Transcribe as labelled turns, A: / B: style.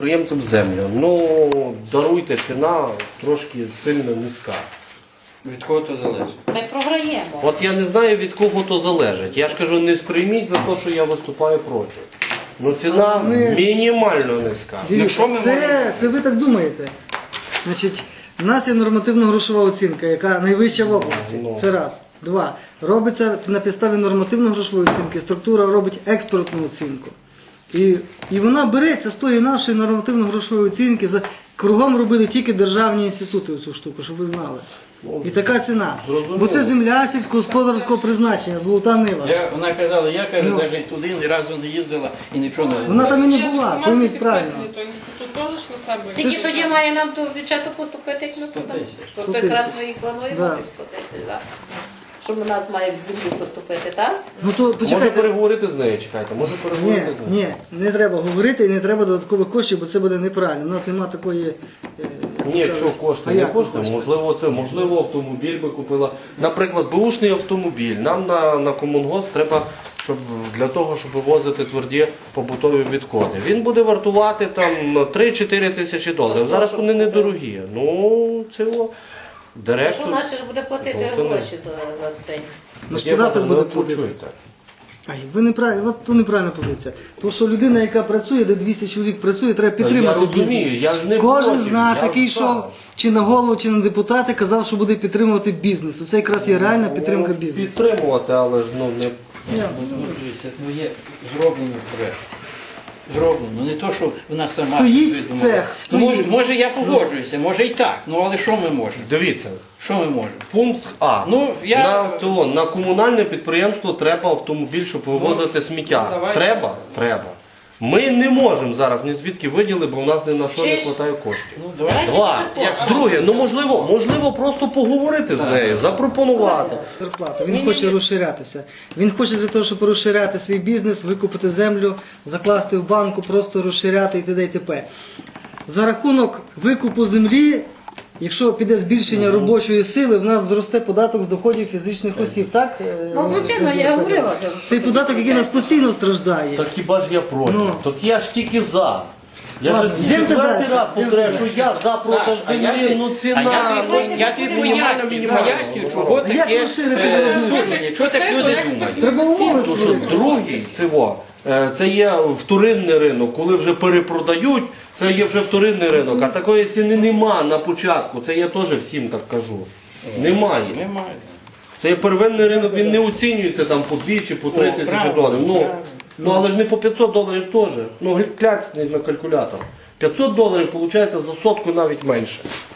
A: Підприємцям землю. Ну, даруйте, ціна трошки сильно низька.
B: Від кого то залежить?
C: Ми програємо.
A: От я не знаю, від кого то залежить. Я ж кажу, не сприйміть за те, що я виступаю проти. Ну ціна мінімально низька.
B: що ми можемо?
D: Це ви так думаєте. Значить, у нас є нормативно-грошова оцінка, яка найвища в області. Це раз. Два. Робиться на підставі нормативно-грошової оцінки. Структура робить експертну оцінку. І вона береться з тої нашої нормативно-грошової оцінки. Кругом робили тільки державні інститути цю штуку, щоб ви знали. І така ціна. Бо це земля сільськогосподарського призначення, золота нива.
B: Вона казала, я каже, навіть туди ні разу не їздила і нічого не
D: Вона там і не була, пойміть правильно.
E: То інститут теж ж на себе.
C: Скільки тоді має нам до бюджету поступити, як ми туди?
D: 100
C: Тобто якраз
D: тисяч.
C: ми і плануємо
D: Да.
C: тих 100 тисяч, так? Щоб у нас має в землю поступити, так?
D: Ну то
A: Може
D: почекайте.
A: переговорити з нею, чекайте, може переговорити з нею.
D: Ні, не треба говорити і не треба додаткових коштів, бо це буде неправильно. У нас немає такої.
A: Ні, що кошти,
D: А
A: не
D: як
A: кошти,
D: кошти?
A: можливо автомобіль би купила. Наприклад, беушний автомобіль. Нам на комунгос треба, для того, щоб вивозити тверді побутові відходи. Він буде вартувати там 3-4 тисячі доларів. Зараз вони недорогі. Ну, це
C: Що
A: директор.
C: наше ж буде платити
A: Золота
C: гроші за це?
D: Наш податок буде платити.
A: почуєте.
D: Ай, ви неправильно, от то неправильна позиція. Тому що людина, яка працює, де 200 чоловік працює, треба підтримати
A: Я розумію,
D: бізнес.
A: я ж не
D: Кожен
A: проти,
D: з нас,
A: я
D: який
A: за.
D: йшов чи на голову, чи на депутати, казав, що буде підтримувати бізнес. Оце якраз є реальна підтримка бізнесу.
A: Підтримувати, але ж не.
B: Дивіться, є зроблено ж проект. Зроблено. Не то, що вона сама
D: Стоїть
B: собі думала.
D: цех,
B: Ну,
D: стоїть.
B: може я погоджуюся, може і так. Ну але що ми можемо?
A: Дивіться,
B: Що ми можемо?
A: пункт А.
B: Ну,
A: На комунальне підприємство треба автомобіль, щоб вивозити сміття.
B: давай.
A: Треба? Треба. Ми не можемо зараз ні звідки виділи, бо в нас ні на що не
C: Чи ж-
A: вистачає коштів.
B: Ну, давай.
A: Два.
C: Як
A: Друге, ну можливо просто поговорити з нею, запропонувати.
D: Зарплату. Він хоче розширятися. Він хоче для того, щоб розширяти свій бізнес, викупити землю, закласти в банку, просто розширяти і т.д. і т.п. За рахунок викупу землі, якщо піде збільшення робочої сили, в нас зросте податок з доходів фізичних осіб, так?
C: Ну, звичайно, я говорила.
D: Цей податок, який нас постійно страждає.
A: Так хіба ж я проти?
D: Ну.
A: Так я ж тільки за. Я
D: Ладно,
A: ж
D: йдемте
A: четвертий
D: далі.
A: раз повторяю, що я за проти
B: Саш, а я
A: землі,
B: тобі-
A: ну
B: А
A: ціна.
B: я тобі пояснюю, чого
D: як
B: таке
D: розширити
B: судження, чого так люди думають.
D: Треба умови
A: Тому що
D: створити.
A: другий це є вторинний ринок, коли вже перепродають, це є вже вторинний ринок, а такої ціни нема на початку, це я теж всім так кажу. Немає.
B: Немає.
A: Це є первинний ринок, він не оцінюється там по 2 чи по 3
B: О,
A: тисячі
B: правильно,
A: доларів.
B: правильно.
A: Ну але ж не по 500 доларів теж. Ну кляцніть на калькулятор. 500 доларів виходить за сотку навіть менше.